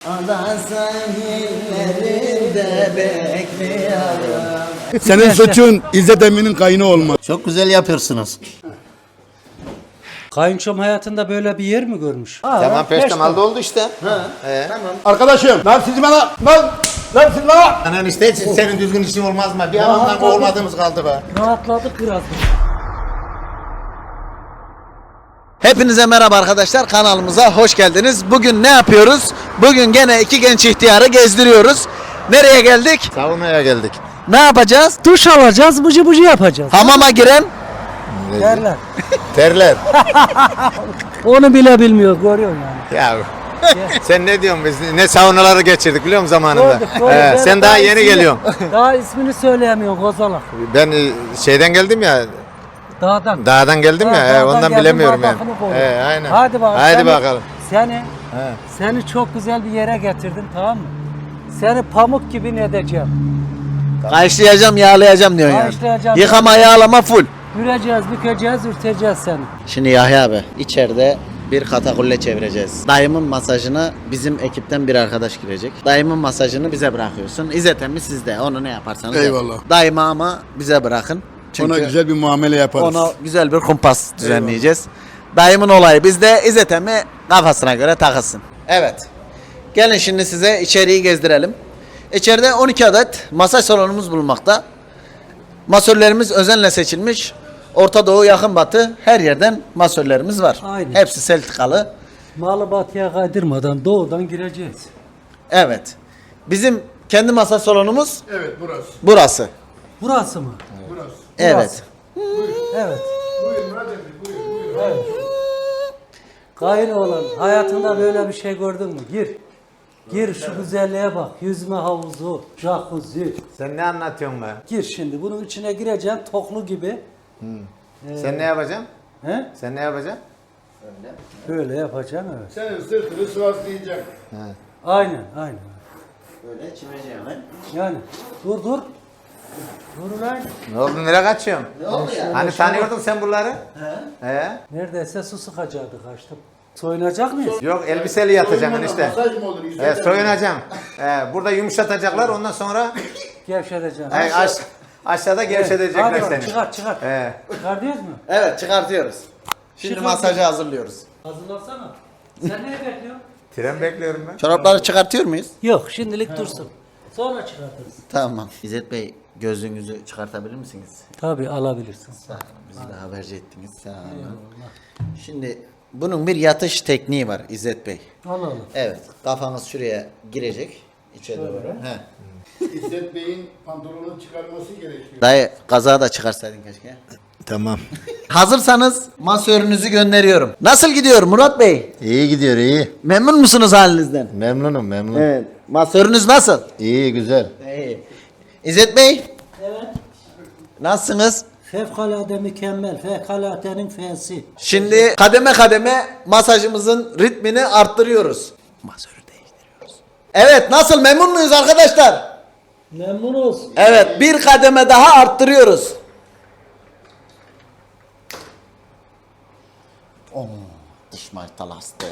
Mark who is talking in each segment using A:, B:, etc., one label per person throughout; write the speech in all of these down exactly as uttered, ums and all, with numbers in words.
A: Ada sahillerinde bekliyorum.
B: Senin suçun İzzet Emin'in kayını olma.
A: Çok güzel yapıyorsunuz.
C: Kayınçom hayatında böyle bir yer mi görmüş?
D: Tamam peştemalda oldu işte. He.
B: Arkadaşım lan siz bana lan lan siz bana.
D: Anan işte senin düzgün işin olmaz mı? Bir anlamda olmadığımız kaldı be.
C: Rahatladık biraz.
A: Hepinize merhaba arkadaşlar, kanalımıza hoş geldiniz. Bugün ne yapıyoruz? Bugün gene iki genç ihtiyarı gezdiriyoruz. Nereye geldik?
D: Savunmaya geldik.
A: Ne yapacağız?
C: Duş alacağız, bıcı bıcı yapacağız.
A: Hamama giren
C: Derler.
D: Terler.
C: Onu bile bilmiyor, görüyorsun yani.
D: Ya sen ne diyorsun biz ne saunaları geçirdik biliyor musun zamanında?
C: Gördük, gördük.
D: He,
C: Ben
D: sen daha yeni
C: ismini-
D: geliyorsun.
C: Daha ismini söyleyemiyorsun Kozalak.
D: Ben e, şeyden geldim ya.
C: Dağdan.
D: Dağdan geldim
C: Ha,
D: ya. he,
C: dağdan
D: ondan
C: geldin,
D: bilemiyorum yani.
C: bardakını koydun.
D: He, aynen.
C: Hadi bakalım.
D: Hadi
C: Seni-
D: bakalım.
C: Seni,
D: He.
C: seni çok güzel bir yere getirdim, tamam mı? Seni pamuk gibi ne edeceğim?
A: kayışlayacağım, yağlayacağım diyorsun yani.
C: Kayışlayacağım.
A: Yıkama, yağlama full.
C: Büreceğiz, bükeceğiz, ürteceğiz seni.
A: Şimdi Yahya abi, içeride bir katakulle çevireceğiz. Dayımın masajına bizim ekipten bir arkadaş girecek. Dayımın masajını bize bırakıyorsun. İzzet emmi sizde. Onu ne yaparsanız
B: Eyvallah.
A: yapın. Dayıma ama bize bırakın. Çünkü
B: Ona güzel bir muamele yaparız.
A: ona güzel bir kumpas düzenleyeceğiz. Dayımın olayı bizde. İzzet emmi kafasına göre takılsın. Evet. Gelin şimdi size içeriği gezdirelim. İçeride on iki adet masaj salonumuz bulunmakta. Masörlerimiz özenle seçilmiş. Orta Doğu, Yakın Batı her yerden masörlerimiz var.
C: Aynen.
A: Hepsi sertifikalı.
C: Malı batıya kaydırmadan doğudan gireceğiz.
A: Evet. Bizim kendi masaj salonumuz
B: Evet burası.
A: burası.
C: Burası mı?
B: Burası.
A: Evet.
C: Evet.
B: Buyurun Murat Emre buyurun buyurun.
C: Evet. Gayrı olan hayatında böyle bir şey gördün mü? Gir. Gir şu güzelliğe bak. Yüzme havuzu, jacuzzi.
D: Sen ne anlatıyorsun be?
C: Gir şimdi. Bunun içine gireceksin toklu gibi.
D: Sen ne yapacaksın?
C: He?
D: Sen ne yapacaksın?
C: Böyle yapacaksın evet.
B: Senin sırtını sıvazlayacak.
C: Aynen, aynen.
A: Böyle çimeceğim.
C: Yani dur dur. Dur lan.
D: Ne oldu nereye kaçıyorsun?
A: Ne oldu ya?
D: Hani tanıyordun sen bunları?
A: He?
D: He?
C: Neredeyse su sıkacaktı kaçtım. Soyunacak mıyız?
D: Yok elbiseli yatacaksın
B: Soyunma,
D: işte.
B: Masaj mı olur? İzzet
D: He,
B: Emre?
D: soyunacaksın. He, burada yumuşatacaklar ondan sonra
C: Gevşeteceğim.
D: he, aş- aşağıda gevşetecekler
C: Hadi bak,
D: seni.
C: çıkart çıkart.
D: He.
C: Çıkar diyoruz mu?
A: Evet, çıkartıyoruz. Şimdi
C: Çıkar.
A: masajı hazırlıyoruz.
C: Hazırlansana. Sen neyi bekliyorsun?
D: Tren bekliyorum ben.
A: Çorapları çıkartıyor muyuz?
C: Yok şimdilik dursun. Sonra çıkartırız.
A: Tamam. İzzet Bey, gözlüğünüzü çıkartabilir misiniz?
C: Tabii alabilirsin.
A: Sağ olun. Bizi de haberci ettiniz. Sağ olun. Şimdi bunun bir yatış tekniği var İzzet Bey.
C: Al al.
A: Evet. Kafanız şuraya girecek. İçe doğru. He.
B: İzzet Bey'in pantolonunu çıkarması gerekiyor.
A: Dayı kazağı da çıkarsaydın keşke.
D: Tamam.
A: Hazırsanız masörünüzü gönderiyorum. Nasıl gidiyor Murat Bey?
D: İyi gidiyor iyi.
A: Memnun musunuz halinizden?
D: Memnunum memnun.
A: Evet. Masörünüz nasıl?
D: İyi güzel.
A: İyi. İzzet Bey,
C: Evet.
A: nasılsınız?
C: Fevkalade mükemmel. Fevkaladenin f'si.
A: Şimdi kademe kademe masajımızın ritmini arttırıyoruz. Masörü değiştiriyoruz. Evet, nasıl, memnun muyuz arkadaşlar?
C: Memnunuz.
A: Evet, bir kademe daha arttırıyoruz. Oh, diş martalastı.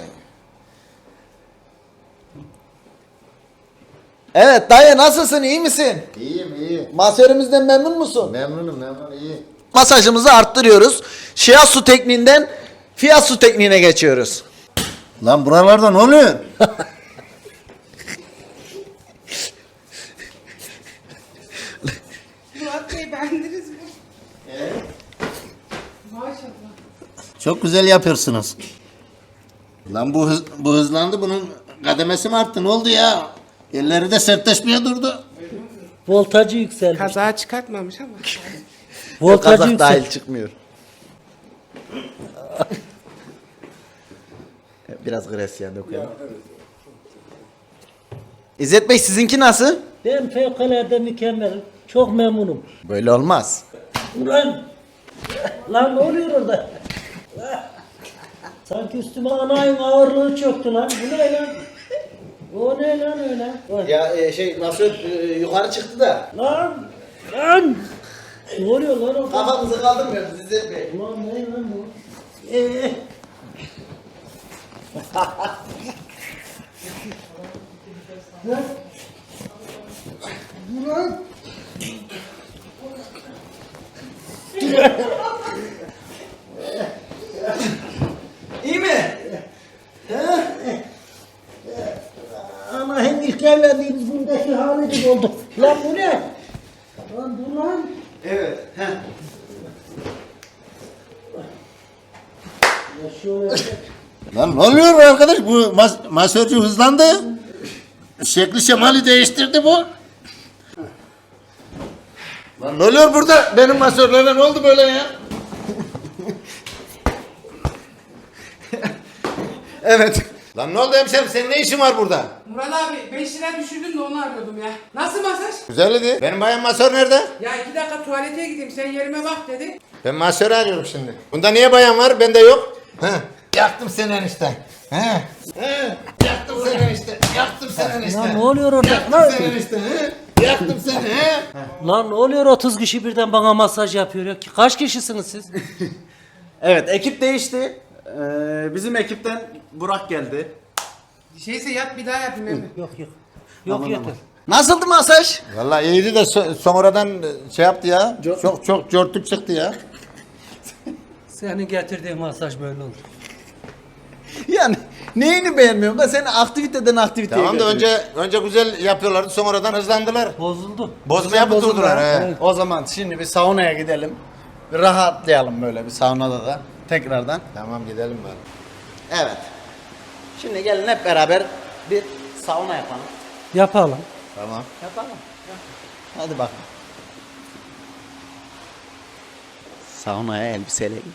A: Evet dayı, nasılsın, iyi misin?
D: İyiyim iyi.
A: Masörümüzden memnun musun?
D: Memnunum memnun iyi.
A: Masajımızı arttırıyoruz. Shiatsu tekniğinden Fiyasu tekniğine geçiyoruz.
D: Lan buralarda ne oluyor?
E: Murat Bey bendiniz mi? Maşallah.
A: Çok güzel yapıyorsunuz.
D: Lan bu hız, bu hızlandı bunun kademesi mi arttı ne oldu ya? Elleri de sertleşmeye durdu.
C: Voltajı yükselmiş.
E: Kaza çıkartmamış ama.
C: Voltajı
A: Kazak
C: yükselmiş.
A: dahil çıkmıyor. Biraz Gresya dokuyalım. İzzet Bey, sizinki nasıl?
C: Ben fevkalade mükemmel. Çok memnunum.
A: Böyle olmaz.
C: Ulan! Lan ne oluyor orada? Sanki üstüme anayın ağırlığı çöktü lan. Bu ne lan? O ne lan öyle? Bak.
A: Ya e, şey masör e, yukarı çıktı da
C: Lan! Lan! Ne oluyor lan orada?
A: kafamızı kaldırmıyoruz İzzet Bey.
C: Ulan ne lan bu? Ee,
A: İyi mi?
F: Ama hem ilk evlendiğimiz bundaki hali gibi oldu. Lan bu ne? Lan dur lan.
A: Evet. Heh.
F: Ya şöyle.
D: Lan ne oluyor arkadaş? Bu mas masörcü hızlandı. Şekli şemali değiştirdi bu. Lan ne oluyor burada? Benim masörlere ne oldu böyle ya?
A: Evet.
D: Lan ne oldu hemşerim? Senin ne işin var burada?
E: Murat abi beş lira düşürdün de onu arıyordum ya. Nasıl masaj?
D: Güzeldi. Benim bayan masör nerede?
E: Ya iki dakika tuvalete gideyim sen yerime bak dedi.
D: Ben masörü arıyorum şimdi. Bunda niye bayan var? Bende yok. Heh. Yaktım seni enişte. He. He. Yaktım seni enişte. Yaktım seni enişte.
C: Lan ne oluyor orada?
D: Yaktım
C: Lan,
D: seni enişte. He. Yaktım seni. He.
C: lan ne oluyor otuz kişi birden bana masaj yapıyor ya? Kaç kişisiniz siz?
A: Evet, ekip değişti. Ee, bizim ekipten Burak geldi.
E: Şeyse yat bir daha yapayım emmi.
C: Yok yok. Yok yeter.
A: Nasıldı masaj?
D: Vallahi iyiydi de so- sonradan şey yaptı ya. Çok çok cortluk çıktı ya.
C: Senin getirdiğin masaj böyle olur.
A: Yani neyini beğenmiyorum da seni aktiviteden aktiviteye
D: Tamam da
A: götürüyor.
D: önce önce güzel yapıyorlardı, sonradan hızlandılar.
C: Bozuldu.
D: Bozmaya tutuldular he.
A: Evet. O zaman şimdi bir saunaya gidelim. Bir rahatlayalım böyle bir saunada da tekrardan.
D: Tamam gidelim bari.
A: Evet. Şimdi gelin hep beraber bir sauna yapalım.
C: Yapalım.
D: Tamam.
A: Yapalım. Hadi bakalım. Saunaya elbiseyle git.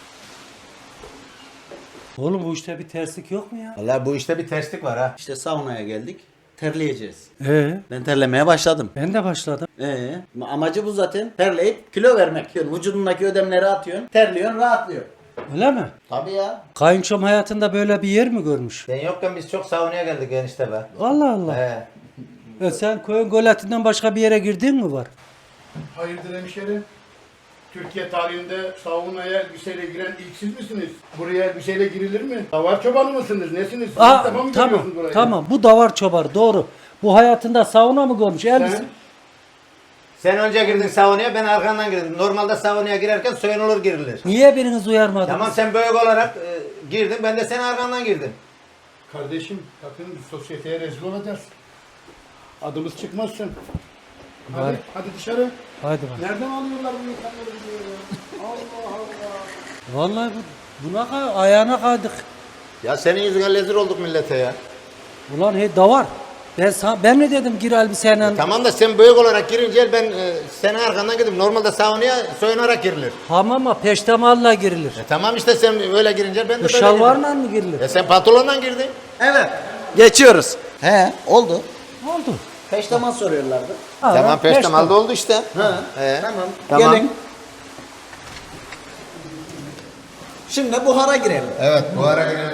C: Oğlum bu işte bir terslik yok mu ya?
D: Vallahi bu işte bir terslik var ha.
A: İşte saunaya geldik. Terleyeceğiz.
C: Ee,
A: Ben terlemeye başladım.
C: ben de başladım.
A: Ee, amacı bu zaten. Terleyip kilo vermek. Yani vücudundaki ödemleri atıyorsun. Terliyorsun, rahatlıyor.
C: Öyle mi?
A: Tabii ya.
C: Kayınçom hayatında böyle bir yer mi görmüş?
D: Sen yokken biz çok saunaya geldik enişte be.
C: Allah Allah.
D: He.
C: E sen koyun golatinden başka bir yere girdin mi var?
B: Hayırdır hemşerim? Türkiye tarihinde saunaya elbiseyle giren ilk siz misiniz? Buraya elbiseyle girilir mi? Davar çobanı mısınız? Nesiniz? Siz
C: Aa,
B: ilk defa mı
C: tamam
B: geliyorsunuz buraya?
C: tamam bu davar çobar doğru. Bu hayatında sauna mı görmüş? Elbise.
B: Sen?
D: Sen önce girdin saunaya, ben arkandan girdim. Normalde saunaya girerken soyunulur girilir.
C: Niye biriniz uyarmadınız?
D: Tamam sen büyük olarak e, girdin, ben de senin arkandan girdim.
B: Kardeşim bakın biz sosyeteye rezil olacağız. Adımız çıkmazsın. Hadi,
C: Var.
B: hadi dışarı.
C: Hadi bak.
B: Nereden alıyorlar bu insanları buraya ya? Allah Allah.
C: Vallahi bu, buna kay- ayağına kaydık.
D: Ya senin yüzünden rezil olduk millete ya.
C: Ulan hey davar. Ben sana, ben mi dedim gir elbiseyle?
D: Tamam da sen büyük olarak girince ben e, senin arkandan girdim. Normalde saunaya soyunarak girilir.
C: Hamama peştemalla girilir.
D: E tamam işte sen öyle girince ben de
C: Bu
D: böyle
C: şalvarla mı girilir?
D: girdim. E sen pantolonla girdin.
A: Evet. Geçiyoruz. He, oldu.
C: Ne oldu?
A: Peştemal soruyorlardı.
C: Ha,
D: Tamam
C: peştemal.
D: peştemalda oldu işte.
A: Ha,
D: He.
A: tamam.
D: Tamam.
A: Gelin. Şimdi buhara girelim.
D: Evet bu ara girelim.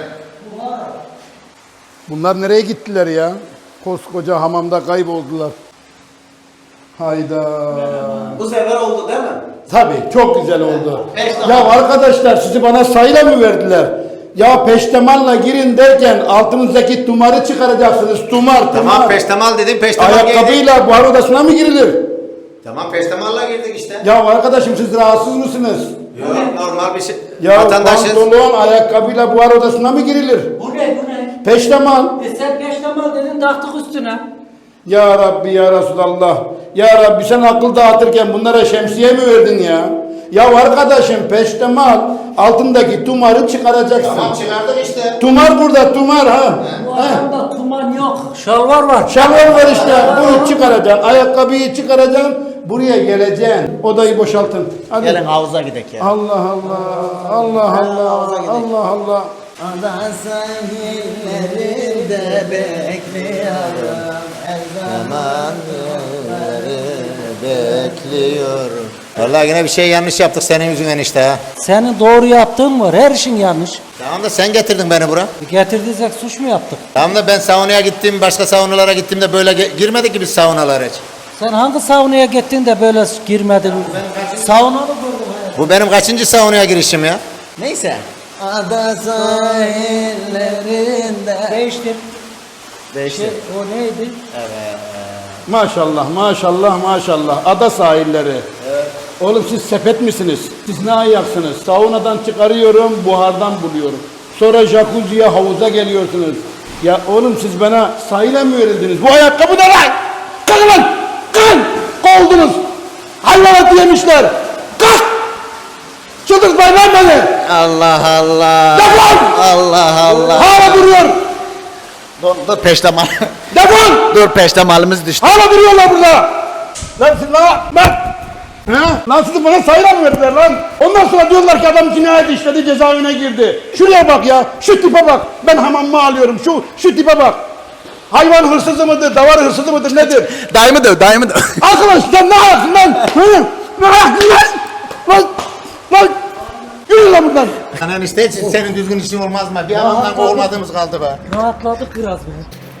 B: Bunlar nereye gittiler ya? Koskoca hamamda kayboldular. Hayda.
A: Bu sefer oldu değil mi?
B: Tabii çok güzel oldu.
A: Peştemal.
B: Ya arkadaşlar sizi bana sayıyla mı verdiler? Ya peştemalla girin derken altınızdaki tumarı çıkaracaksınız. Tumar, tumar.
D: Tamam peştemal dedim peştemal giydik.
B: Ayakkabıyla buhar odasına mı girilir?
D: Tamam peştemalla girdik işte.
B: Ya arkadaşım siz rahatsız mısınız?
D: Yok normal bir şey.
B: Ya
D: Vatandaşız.
B: pantolon ayakkabıyla buhar odasına mı girilir?
C: Bu ne bu ne?
B: Peştemal.
C: E sen peştemal dedin taktık üstüne.
B: Ya Rabbi ya Resulallah. Ya Rabbi sen akıl dağıtırken bunlara şemsiye mi verdin ya? Ya arkadaşım peştemal altındaki tumarı çıkaracaksın.
D: Tamam çıkardık işte.
B: Tumar burada tumar ha.
C: Bu
B: ha.
C: adamda tuman yok. Şalvar var.
B: Şalvar var işte. Bunu çıkaracaksın. Ayakkabıyı çıkaracaksın. Buraya geleceksin. Odayı boşaltın. Hadi.
A: Gelin havuza gidelim ya.
B: Allah Allah. Allah Allah. Allah Allah.
A: Ada sahillerinde bekliyorum.
D: Aman bekliyorum. Vallahi yine bir şey yanlış yaptık senin yüzünden işte ha.
C: Senin doğru yaptığın var. Her işin yanlış.
D: Tamam da sen getirdin beni bura.
C: E Getirdiysek suç mu yaptık?
D: Tamam da ben saunaya gittim, başka saunalara gittim de böyle ge- girmedik ki biz saunalara hiç.
C: Sen hangi saunaya gittin de böyle girmedin? Sauna mı gördün?
D: Bu benim kaçıncı saunaya girişim ya?
A: Neyse. Ada sahillerinde.
C: Değiştir.
A: Değişti.
C: Şey, o neydi?
B: Maşallah, maşallah, maşallah. Ada sahilleri. Oğlum siz sepet misiniz? Siz ne ayaksınız? Saunadan çıkarıyorum, buhardan buluyorum. Sonra jacuzziye, havuza geliyorsunuz. Ya oğlum siz bana sahile mi verildiniz? Bu ayakkabı ne lan? Kalkın lan! Kalkın! Kovuldunuz! Hayvanat yemişler! Kalk! Çıldırtmayın lan beni!
A: Allah Allah.
B: Defol!
A: Allah Allah.
B: Hala duruyor!
A: Dur, dur peştemal.
B: Defol!
A: Dur peştemalimiz düştü.
B: Hala duruyorlar burada! Lan siz lan! Lan! He? Lan sizi bana sayıla mı verdiler lan? Ondan sonra diyorlar ki adam cinayet işledi, cezaevine girdi. Şuraya bak ya, şu tipe bak. Ben hamamımı alıyorum, şu şu tipe bak. Hayvan hırsızı mıdır, davar hırsızı mıdır, nedir?
A: Dayımı döv, dayımı döv.
B: Arkadaş sen ne yapsın lan? Hı? Ne yapsın lan? Lan! Lan! Yürü lan buradan!
D: Lan enişte hiç senin düzgün işin olmaz mı? Bir adamdan olmadığımız kaldı be.
C: Rahatladık biraz be.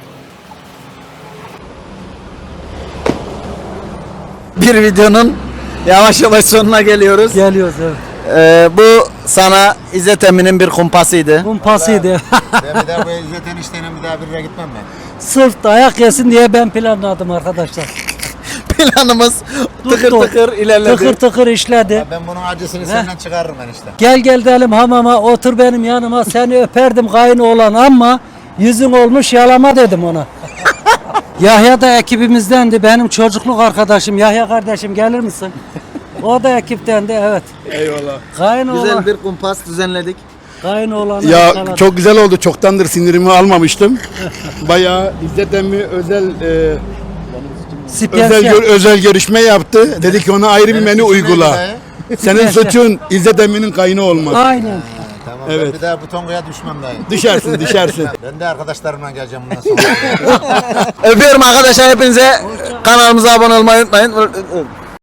A: Bir videonun yavaş yavaş sonuna geliyoruz.
C: Geliyoruz evet.
A: Ee, bu sana İzzet Emin'in bir kumpasıydı.
C: Kumpasıydı.
D: Ben bir daha bu İzzet enişteyle bir daha bir yere gitmem ben.
C: Sırf dayak yesin diye ben planladım arkadaşlar.
A: Planımız tıkır
C: Tuttu.
A: tıkır ilerledi.
C: Tıkır tıkır işledi.
D: Ben bunun acısını senden çıkarırım enişte.
C: Gel gel dedim hamama, otur benim yanıma, seni öperdim kayınoğlan ama yüzün olmuş yalama dedim ona. Yahya da ekibimizdendi, benim çocukluk arkadaşım. Yahya kardeşim gelir misin? O da ekiptendi, evet.
B: Eyvallah.
C: Kayınoğlan,
A: Güzel bir kumpas düzenledik.
C: kayınoğlanı
B: Ya
C: yakaladık.
B: çok güzel oldu. Çoktandır sinirimi almamıştım. Bayağı İzzet emmi özel e,
C: Spiyasyon.
B: özel gör- özel görüşme yaptı. Dedi ki ona ayrı bir menü
D: suçum
B: uygula.
D: neydi
B: Senin suçun İzzet emminin kayını olmak.
C: Aynen.
D: Tamam
B: Evet.
D: ben bir daha bu tonguya düşmem dayı.
B: Düşersin, düşersin.
D: Ben de arkadaşlarımla geleceğim bundan sonra.
A: Öpüyorum arkadaşlar hepinize. Kanalımıza abone olmayı unutmayın.